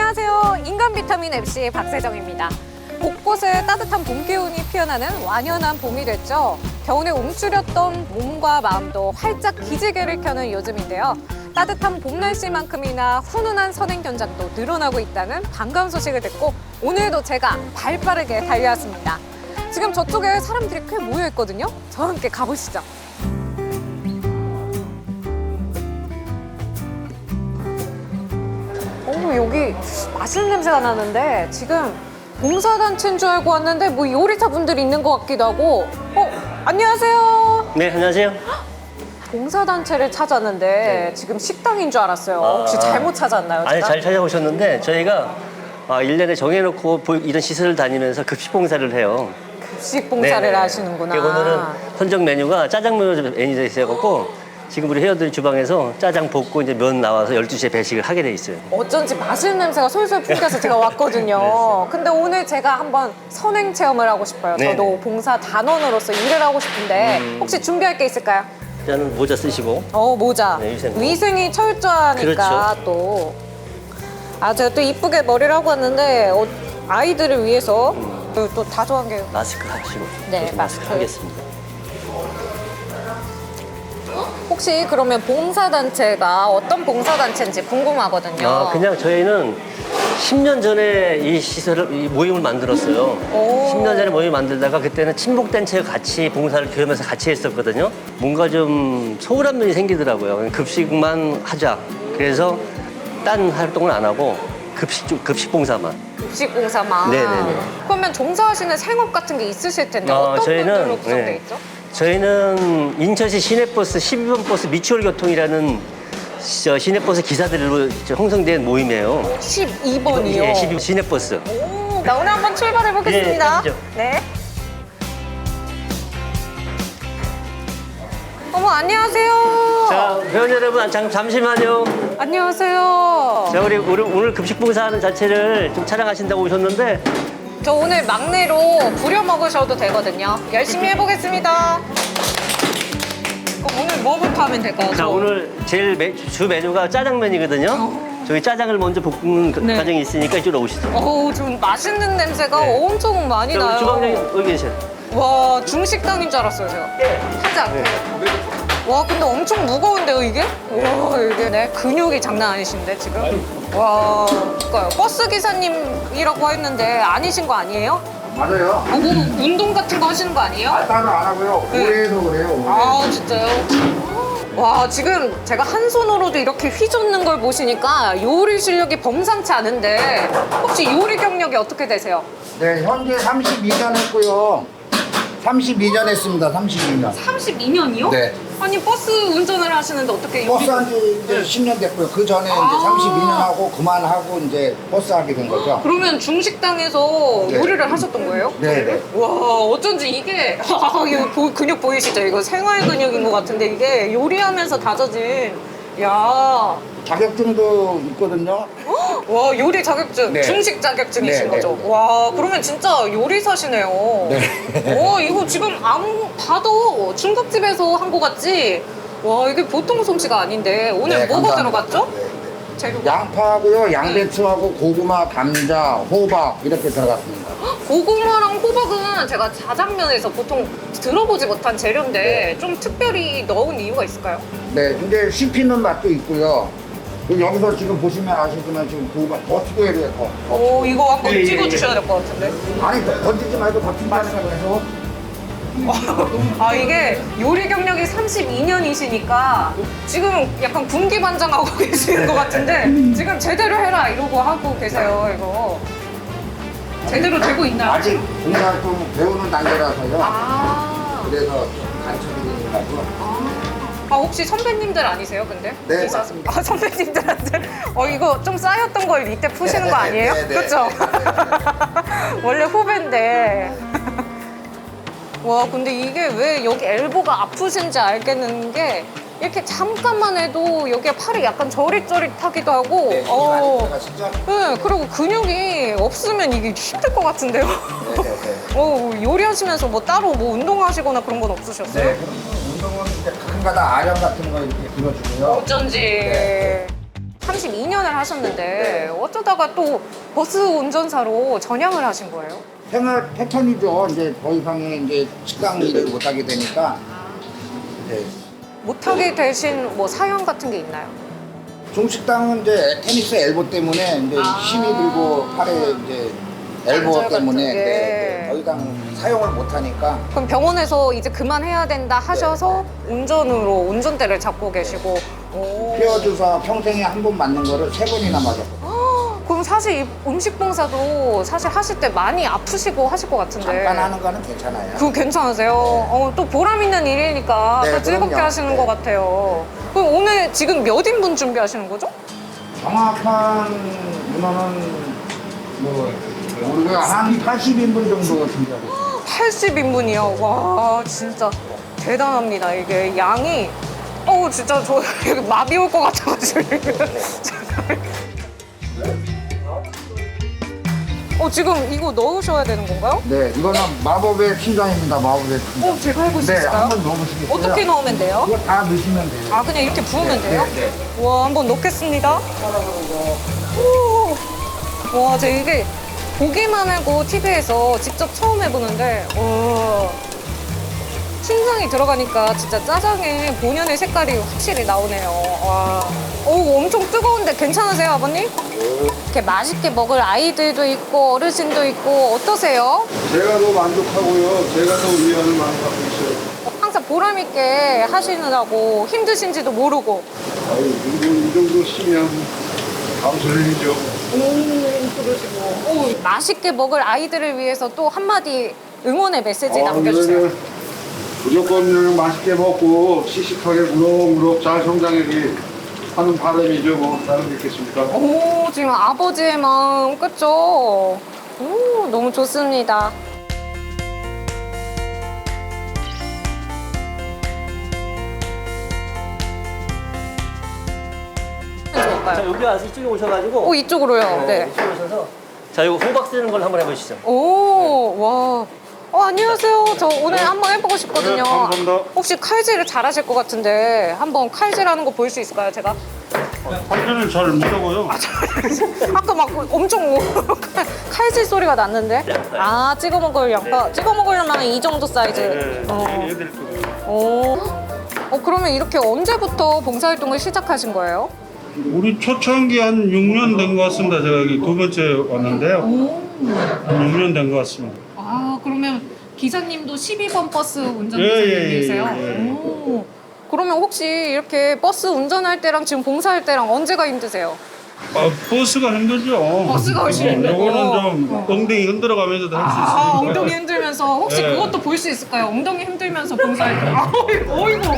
안녕하세요. 인간 비타민 MC 박세정입니다. 곳곳에 따뜻한 봄 기운이 피어나는 완연한 봄이 됐죠. 겨울에 움츠렸던 몸과 마음도 활짝 기지개를 켜는 요즘인데요. 따뜻한 봄 날씨만큼이나 훈훈한 선행 현장도 늘어나고 있다는 반가운 소식을 듣고 오늘도 제가 발빠르게 달려왔습니다. 지금 저쪽에 사람들이 꽤 모여 있거든요. 저와 함께 가보시죠. 여기 맛있는 냄새가 나는데 지금 봉사단체인 줄 알고 왔는데 뭐 요리사분들이 있는 것 같기도 하고. 안녕하세요. 네, 안녕하세요. 봉사단체를 찾았는데 지금 식당인 줄 알았어요. 혹시 잘못 찾았나요? 아니, 제가? 잘 찾아오셨는데 저희가 1년에 정해놓고 이런 시설을 다니면서 급식 봉사를 해요. 급식 봉사를 네네. 하시는구나. 오늘은 선정 메뉴가 짜장면으로 메뉴되어 있어갖고 지금 우리 회원들이 주방에서 짜장 볶고 이제 면 나와서 12시에 배식을 하게 돼 있어요. 어쩐지 맛있는 냄새가 솔솔 풍겨서 제가 왔거든요. 근데 오늘 제가 한번 선행 체험을 하고 싶어요. 네네. 저도 봉사 단원으로서 일을 하고 싶은데 혹시 준비할 게 있을까요? 일단은 모자 쓰시고. 모자. 네, 위생이 철저하니까 그렇죠. 또. 제가 또 이쁘게 머리를 하고 왔는데 아이들을 위해서 또 다 좋아한 게 마스크 하시고. 네, 마스크 마스크. 하겠습니다. 혹시 그러면 봉사단체가 어떤 봉사단체인지 궁금하거든요. 그냥 저희는 10년 전에 이 시설을, 이 모임을 만들었어요. 10년 전에 모임을 만들다가 그때는 친목단체가 같이 봉사를 교회면서 같이 했었거든요. 뭔가 좀 소홀한 면이 생기더라고요. 급식만 하자. 그래서 딴 활동을 안 하고 급식 봉사만. 급식 봉사만. 네네네. 그러면 종사하시는 생업 같은 게 있으실 텐데 어떤 분들로 구성돼 있죠? 저희는 인천시 시내버스 12번 버스 미추홀 교통이라는 시내버스 기사들로 형성된 모임이에요. 12번이요? 예, 12번 시내버스. 나 오늘 한번 출발해 보겠습니다. 예, 가시죠. 네. 어머, 안녕하세요. 자, 회원 여러분, 잠시만요. 안녕하세요. 자, 우리 오늘 급식 봉사하는 자체를 좀 촬영하신다고 오셨는데, 저 오늘 막내로 부려 먹으셔도 되거든요. 열심히 해보겠습니다. 그럼 오늘 뭐부터 하면 될까요? 자, 오늘 제일 주 메뉴가 짜장면이거든요. 저희 짜장을 먼저 볶는 네. 과정이 있으니까 이쪽으로 오시죠. 좀 맛있는 냄새가 네. 엄청 많이 자, 우리 나요. 주방장님 여기 계세요. 와, 중식당인 줄 알았어요, 제가. 예. 살짝. 네. 와, 근데 엄청 무거운데요, 이게? 와, 이게 네, 근육이 장난 아니신데, 지금? 와, 그러니까요. 버스 기사님이라고 했는데 아니신 거 아니에요? 맞아요. 뭐 운동 같은 거 하시는 거 아니에요? 따로 안 하고요. 네. 올해도 그래요. 올해. 진짜요? 와, 지금 제가 한 손으로도 이렇게 휘젓는 걸 보시니까 요리 실력이 범상치 않은데 혹시 요리 경력이 어떻게 되세요? 네, 현재 32년 했고요. 32년 했습니다. 32년. 32년이요? 네. 아니, 버스 운전을 하시는데 어떻게 요리... 버스 한지 이제 10년 됐고요. 그 전에 이제 32년 하고 그만하고 이제 버스 하게 된 거죠. 그러면 중식당에서 네. 요리를 하셨던 거예요? 네, 네. 와, 어쩐지 이게 이거 근육 보이시죠? 이거 생활 근육인 것 같은데 이게 요리하면서 다져진 야, 자격증도 있거든요. 와, 요리 자격증, 네. 중식 자격증이신 네, 거죠? 네, 네. 와, 그러면 진짜 요리사시네요. 네. 와, 이거 지금 아무 봐도 중국집에서 한 거 같지? 와, 이게 보통 솜씨가 아닌데 오늘 네, 뭐가 감사합니다. 들어갔죠? 네. 재료가? 양파하고요, 양배추하고 고구마, 감자, 호박 이렇게 들어갔습니다. 고구마랑 호박은 제가 자장면에서 보통 들어보지 못한 재료인데 좀 특별히 넣은 이유가 있을까요? 네, 근데 씹히는 맛도 있고요. 그리고 여기서 지금 보시면 아시지만 지금 고구마 더 튀겨야 돼요, 더. 이거 한번 예, 예, 찍어주셔야 될 것 같은데. 아니, 던지지 말고 더 튀기는 거해서 이게 요리 경력이 32년이시니까 지금 약간 군기반장하고 계시는 것 같은데 지금 제대로 해라 이러고 하고 계세요, 이거. 제대로 되고 있나요? 아직 봉사활동 배우는 단계라서요. 그래서 그래서 가르쳐드리려고. 혹시 선배님들 아니세요, 근데? 네, 기사- 맞습니다. 선배님들한테 이거 좀 쌓였던 걸 이때 푸시는 거 아니에요? 네, 네, 그렇죠? 원래 후배인데. 와, 근데 이게 왜 여기 엘보가 아프신지 알겠는 게 이렇게 잠깐만 해도 여기에 팔이 약간 저릿저릿하기도 하고 네, 힘이 많이 들어가시죠? 네, 그리고 근육이 없으면 이게 힘들 것 같은데요? 네, 네. 요리하시면서 뭐 따로 뭐 운동하시거나 그런 건 없으셨어요? 네, 그럼 운동은 이제 가끔가다 아령 같은 거 이렇게 들어주고요. 어쩐지. 네. 32년을 하셨는데 어쩌다가 또 버스 운전사로 전향을 하신 거예요? 생활 패턴이죠. 이제 더 이상의 이제 식당 일을 못 하게 되니까 이제 못하게 되신 뭐 사연 같은 게 있나요? 중식당은 이제 테니스 엘보 때문에 이제 힘이 들고 팔에 이제 엘보 관절 때문에 같은 게. 더 이상 사용을 못 하니까 그럼 병원에서 이제 그만해야 된다 하셔서 운전으로 운전대를 잡고 계시고. 오. 뼈 주사 평생에 한 번 맞는 거를 3번이나 맞았고 그럼 사실 이 음식 봉사도 사실 하실 때 많이 아프시고 하실 것 같은데. 잠깐 하는 거는 괜찮아요. 그거 괜찮으세요? 또 보람 있는 일이니까 네, 또 즐겁게 그럼요. 하시는 네. 것 같아요. 그럼 오늘 지금 몇 인분 준비하시는 거죠? 정확한 문어는 뭐 우리가 한 80인분 정도 준비하고 있어요. 80인분이요. 와, 진짜 대단합니다. 이게 양이. 진짜 저 여기 마비 올 것 같아가지고. 잠깐. 지금 이거 넣으셔야 되는 건가요? 네, 이거는 마법의 팀장입니다. 마법의 팀장. 제가 알고 네, 있을까요? 한번 넣어보시겠어요? 어떻게 넣으면 돼요? 이거 다 넣으시면 돼요. 아, 그냥 이렇게 부으면 네, 돼요? 네, 와, 한번 넣겠습니다. 오. 와, 저 이게 보기만 하고 TV에서 직접 처음 해보는데, 춘장이 들어가니까 진짜 짜장의 본연의 색깔이 확실히 나오네요. 와. 엄청 뜨거운데 괜찮으세요, 아버님? 이렇게 맛있게 먹을 아이들도 있고 어르신도 있고 어떠세요? 제가 더 만족하고요. 제가 더 위안을 많이 받고 있어요. 항상 보람 있게 하시느라고 힘드신지도 모르고. 아유, 이 정도 시면 감사해야죠. 그러시고. 맛있게 먹을 아이들을 위해서 또 한마디 응원의 메시지 남겨주세요. 그러면 무조건 맛있게 먹고 씩씩하게 무럭무럭 잘 성장하기 하는 바람이죠. 뭐 다른 게 있겠습니까? 지금 아버지의 마음, 그쵸? 너무 좋습니다. 자, 여기 와서 이쪽에 오셔가지고. 이쪽으로요. 네. 이쪽에 오셔서. 자, 이거 호박 쓰는 걸 한번 해보시죠. 와. 안녕하세요. 저 오늘 한번 해보고 싶거든요. 네, 감사합니다. 혹시 칼질을 잘하실 것 같은데 한번 칼질하는 거 볼 수 있을까요, 제가? 한편은 잘 못하고요. 아까 막 엄청 칼질 소리가 났는데? 찍어 먹을 양파. 찍어 먹으려면 이 정도 사이즈. 얘들 거. 그러면 이렇게 언제부터 봉사활동을 시작하신 거예요? 우리 초창기 한 6년 된 것 같습니다. 제가 여기 두 번째 왔는데요. 한 6년 된 것 같습니다. 그러면 기사님도 12번 버스 운전기사님이세요? 그러면 혹시 이렇게 버스 운전할 때랑 지금 봉사할 때랑 언제가 힘드세요? 버스가 힘들죠. 버스가 훨씬 힘들고. 요거는 좀 엉덩이 흔들어가면서도 할 수 있으니까. 엉덩이 힘들면서 혹시 네. 그것도 볼 수 있을까요? 엉덩이 힘들면서 봉사할 때. 어이구.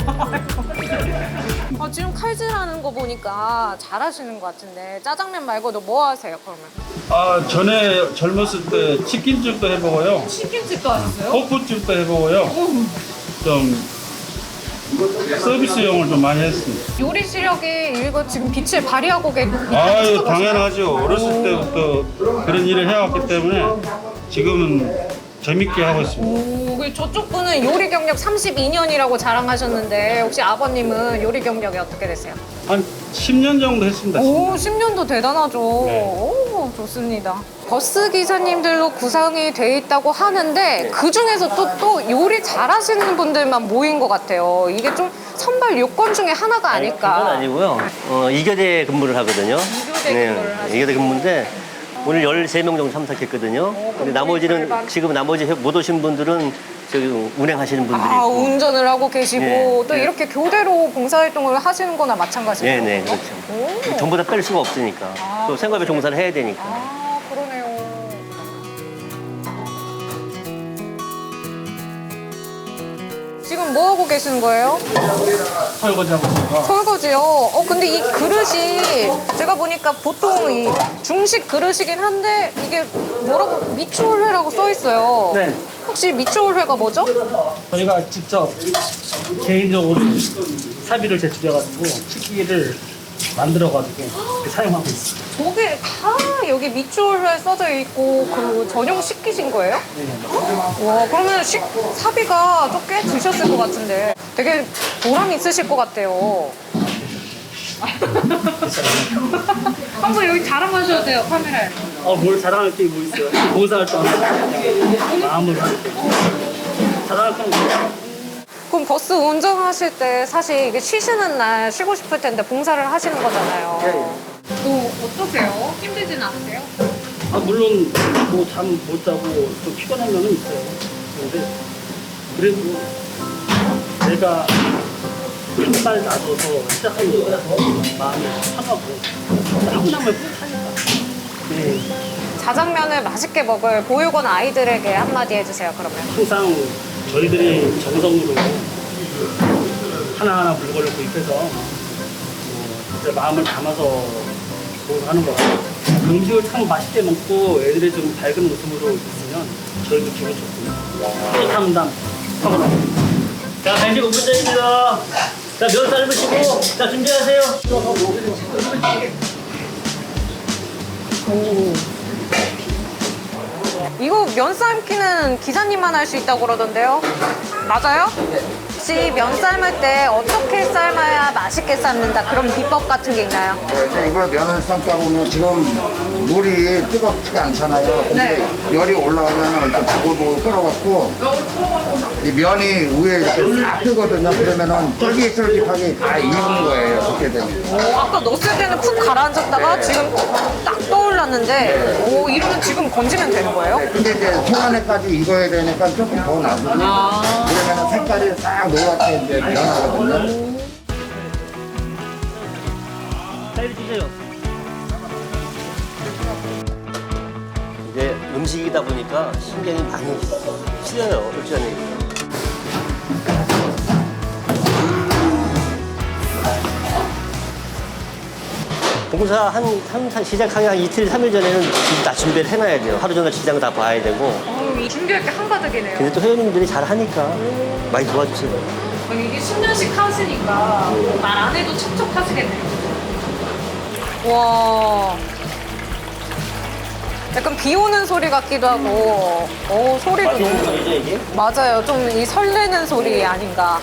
지금 칼질하는 거 보니까 잘하시는 것 같은데 짜장면 말고도 뭐 하세요, 그러면? 전에 젊었을 때 치킨집도 해보고요. 치킨집도 하셨어요? 호프집도 해보고요. 좀 서비스용을 좀 많이 했습니다. 요리 시력이 이거 지금 빛을 발휘하고 아유, 당연하죠. 어렸을 때부터 그런 일을 해왔기 때문에 지금은 재밌게 하고 있습니다. 저쪽 분은 요리 경력 32년이라고 자랑하셨는데 혹시 아버님은 요리 경력이 어떻게 되세요? 한 10년 정도 했습니다. 10년도 대단하죠. 네. 좋습니다. 버스 기사님들로 구성이 돼 있다고 하는데 그 중에서 또 요리 잘하시는 분들만 모인 것 같아요. 이게 좀 선발 요건 중에 하나가 아닐까. 그건 아니고요. 2교대 근무를 하거든요. 2교대 근무를 하시고. 2교대 근무인데 오늘 13명 정도 참석했거든요. 근데 나머지는 지금 나머지 못 오신 분들은 저기 운행하시는 분들이 있고. 운전을 하고 계시고 네, 또 네. 이렇게 교대로 봉사활동을 하시는 거나 마찬가지죠. 네네, 그렇죠. 전부 다 뺄 수가 없으니까. 또 생활비 종사를 해야 되니까. 그러네요. 지금 뭐 하고 계시는 거예요? 설거지하고 있습니다. 설거지요. 근데 이 그릇이 제가 보니까 보통 이 중식 그릇이긴 한데 이게 뭐라고 미추홀회라고 써 있어요. 네. 혹시 미추홀회가 뭐죠? 저희가 직접 개인적으로 사비를 제출해가지고 식기를 만들어가지고 이렇게 사용하고 있어요. 저게 다 여기 미추홀회 써져 있고 그 전용 식기신 거예요? 와, 그러면 사비가 또 꽤 드셨을 것 같은데 되게 보람 있으실 것 같아요. 사람이에요. 한번 여기 자랑하셔도 돼요, 카메라에. 뭘 자랑할 게 뭐 있어요? 봉사활동 그냥 마음으로 자랑할 건 없어요. 그럼 버스 운전하실 때 사실 이게 쉬시는 날 쉬고 싶을 텐데 봉사를 하시는 거잖아요. 또 어떠세요? 힘들지는 않으세요? 물론 뭐 잠 못 자고 좀 피곤한 면은 있어요. 근데 그래도 내가 한 발 나서서 시작하는 거라서 마음이 편하고 하고 나면 뿌듯하니까. 네. 자장면을 맛있게 먹을 보육원 아이들에게 한마디 해주세요, 그러면. 항상 저희들이 정성으로 하나하나 물건을 구입해서 진짜 마음을 담아서 하는 거 같아요. 음식을 참 맛있게 먹고 애들이 좀 밝은 웃음으로 있으면 저희도 기분 좋고 뿌듯함 하거나. 자, 간식 5분 전입니다. 자, 면 삶으시고, 자, 준비하세요. 이거 면 삶기는 기사님만 할 수 있다고 그러던데요? 맞아요? 혹시 면 삶을 때 어떻게 삶아야 맛있게 삶는다 그런 비법 같은 게 있나요? 이걸 면을 삶다 보면 지금 물이 뜨겁지가 않잖아요. 근데 열이 올라오면 일단 보글보글 끓어갖고 이 면이 위에 이렇게 싹 뜨거든요. 그러면은 쫄깃쫄깃하게 다 익은 거예요. 그렇게 되면. 아까 넣었을 때는 푹 가라앉았다가 지금 딱 떠올랐는데 이러면 지금 건지면 되는 거예요? 근데 이제 초반에까지 익어야 되니까 조금 더 놔두고 그러면은 색깔이 싹 노랗게 이제 변하거든요. 사이드 주세요. 이제 음식이다 보니까 신경이 많이 쓰여요. 솔직한 얘기. 봉사 한 시작하기 한 이틀, 3일 전에는 다 준비를 해놔야 돼요. 하루 종일 시장 다 봐야 되고. 이 준비할 게 한가득이네요. 근데 또 회원님들이 잘 하니까 많이 도와주세요. 아니, 이게 10년씩 하시니까 말 안 해도 척척 하시겠네요. 와. 약간 비 오는 소리 같기도 하고, 소리도 너무 좋 이게? 맞아요. 좀 이 설레는 소리 아닌가.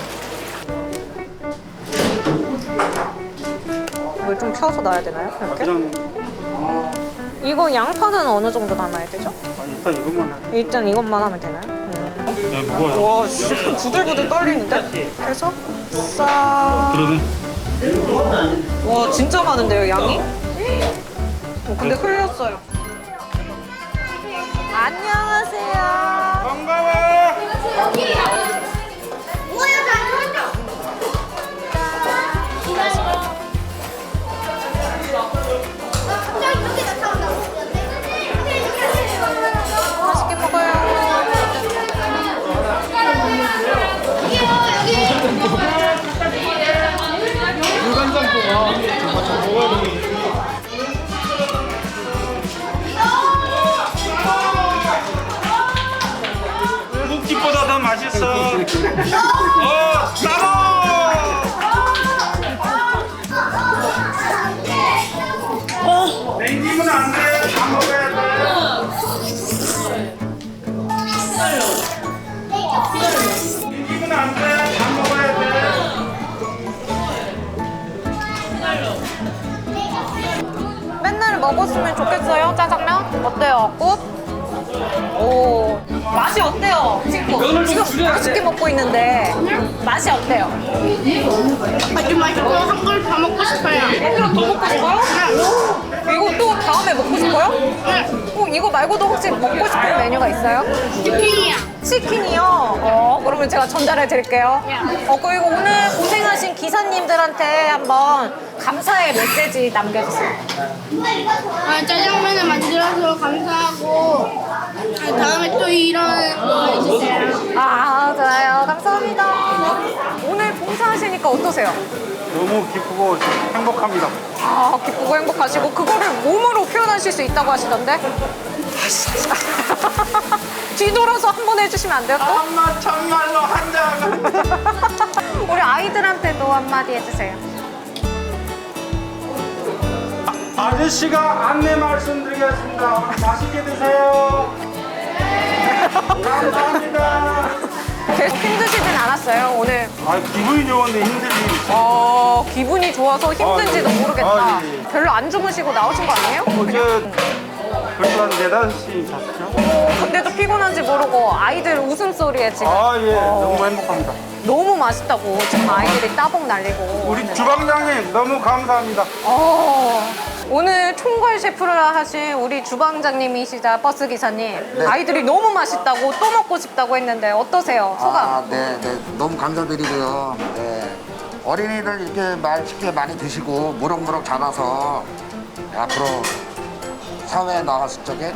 이걸 좀 펴서 놔야 되나요? 이렇게? 그냥 이거 양파는 어느 정도 담아야 되죠? 일단 이것만 해. 일단 이것만 하면 되나요? 야, 무거워요. 와, 씨, 부들부들 떨리는데? 그래서 싹. 그러네. 와, 진짜 많은데요, 양이? 근데 흘렸어요. 안녕하세요. 반가워. 맛있게 먹어요. 국집보다 더 맛있어. 따로. 냉기면 안 돼. 다 먹어야 돼. 냉기면 안 돼. 다 먹어야 돼. 맨날 먹었으면 좋겠어요, 짜장면? 어때요, 꽃? 오, 맛이 어때요, 친구? 지금 맛있게 먹고 있는데 맛이 어때요? 아주 맛있고 한 걸 다 먹고 싶어요. 그럼 더 먹고 싶어요? 이거 또 다음에 먹고 싶어요? 이거 말고도 혹시 먹고 싶은 메뉴가 있어요? 치킨이야. 치킨이요? 그러면 제가 전달해 드릴게요. 그리고 오늘 고생하신 기사님들한테 한번 감사의 메시지 남겨주세요. 짜장면을 만들어서 감사하고 다음에 또 이런 거 해주세요. 좋아요. 감사합니다. 오늘 봉사하시니까 어떠세요? 너무 기쁘고 행복합니다. 기쁘고 행복하시고 그거를 몸으로 표현하실 수 있다고 하시던데? 뒤돌아서 한번 해주시면 안 돼요? 또? 엄마 정말로 한장. 우리 아이들한테도 한마디 해주세요. 아저씨가 안내 말씀드리겠습니다. 오늘 맛있게 드세요. 감사합니다. 계속 힘드시진 않았어요, 오늘? 아, 기분이 좋은데 힘든 일이 있어요. 기분이 좋아서 힘든지도 아, 예. 모르겠다. 아, 예. 별로 안 주무시고 나오신 거 아니에요? 어제 벌써 한 4-5시 잤죠? 근데도 피곤한지 모르고 아이들 웃음소리에 지금 아, 예. 너무 행복합니다. 너무 맛있다고 지금 아이들이 따봉 날리고. 우리 주방장님 너무 감사합니다. 오늘 총괄 셰프를 하신 우리 주방장님이시자 버스 기사님, 아이들이 너무 맛있다고 또 먹고 싶다고 했는데 어떠세요? 소감? 네. 너무 감사드리고요. 네. 어린이들 이렇게 맛있게 많이 드시고 무럭무럭 자라서 앞으로 사회에 나갔을 적에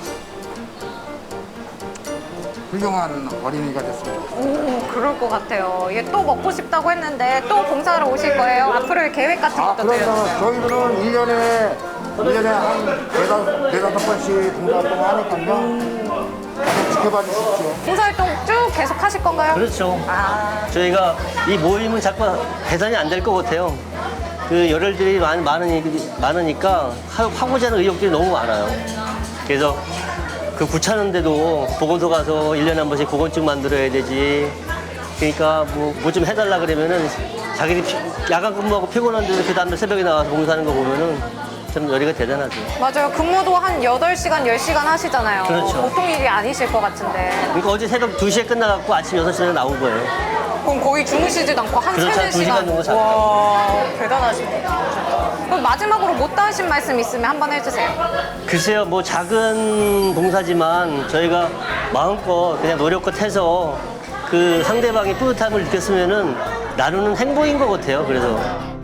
훌륭한 어린이가 됐으면 좋겠습니다. 그럴 것 같아요. 얘 또 먹고 싶다고 했는데 또 봉사하러 오실 거예요? 앞으로의 계획 같은 것도 들려주세요. 저희들은 1년에 한 네다섯 번씩 봉사활동 하니까요. 지켜봐 주십시오. 봉사활동 쭉 계속 하실 건가요? 그렇죠. 저희가 이 모임은 자꾸 개선이 안 될 것 같아요. 그 열혈들이 많으니까 하고자 하는 의욕들이 너무 많아요. 그래서 그 구차는데도 보건소 가서 1년에 한 번씩 보건증 만들어야 되지. 그러니까 뭐 좀 해달라 그러면은 자기들이 야간 근무하고 피곤한데도 그 다음날 새벽에 나와서 봉사하는 거 보면은 참 열의가 대단하죠. 맞아요. 근무도 한 8시간, 10시간 하시잖아요. 그렇죠. 보통 일이 아니실 것 같은데. 그러니까 어제 새벽 2시에 끝나갖고 아침 6시에 나온 거예요. 그럼 거의 주무시지도 않고 한 그렇죠. 3, 4시간. 2시간 정도 잤죠. 와, 대단하시네요. 그럼 마지막으로 못다 하신 말씀 있으면 한번 해주세요. 글쎄요, 뭐 작은 봉사지만 저희가 마음껏 그냥 노력껏 해서 그 상대방이 뿌듯함을 느꼈으면은 나누는 행복인 것 같아요. 그래서.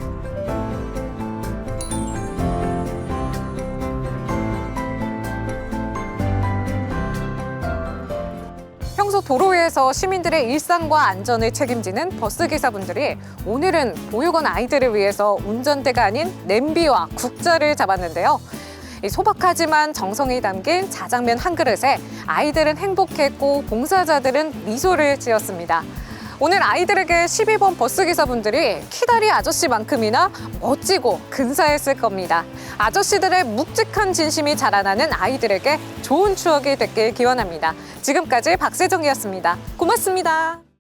평소 도로 위에서 시민들의 일상과 안전을 책임지는 버스기사분들이 오늘은 보육원 아이들을 위해서 운전대가 아닌 냄비와 국자를 잡았는데요. 이 소박하지만 정성이 담긴 자장면 한 그릇에 아이들은 행복했고 봉사자들은 미소를 지었습니다. 오늘 아이들에게 12번 버스기사분들이 키다리 아저씨만큼이나 멋지고 근사했을 겁니다. 아저씨들의 묵직한 진심이 자라나는 아이들에게 좋은 추억이 됐길 기원합니다. 지금까지 박세정이었습니다. 고맙습니다.